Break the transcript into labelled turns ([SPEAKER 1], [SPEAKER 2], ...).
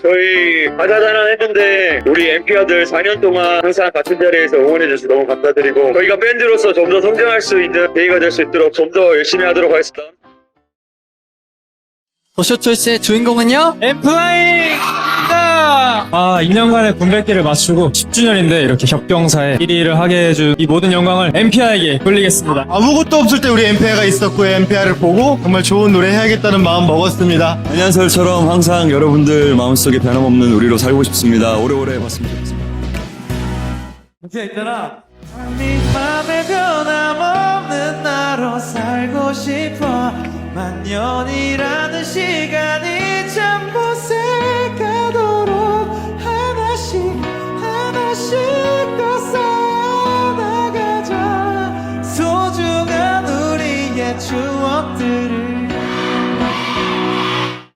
[SPEAKER 1] 저희 가자자난 했는데 우리 엠피아들 4년 동안 항상 같은 자리에서 응원해줘서 너무 감사드리고 저희가 밴드로서 좀 더 성장할 수 있는 계기가 될 수 있도록 좀 더 열심히 하도록 하겠습니다.
[SPEAKER 2] 더쇼초이스의 주인공은요?
[SPEAKER 3] 엠플라잉입니다! 2년간의 군백기를 마치고 10주년인데 이렇게 협경사에 1위를 하게 해준 이 모든 영광을 엠피아에게 돌리겠습니다.
[SPEAKER 4] 아무것도 없을 때 우리 엠페아가 있었고 엠페아를 보고 정말 좋은 노래 해야겠다는 마음 먹었습니다.
[SPEAKER 5] 안녕설처럼 항상 여러분들 마음속에 변함없는 우리로 살고 싶습니다. 오래오래 봤으면 좋겠습니다.
[SPEAKER 3] 엠피아 있잖아.
[SPEAKER 6] 네 맘에 변함없는 나로 살고 싶어. 만년이라는 시간이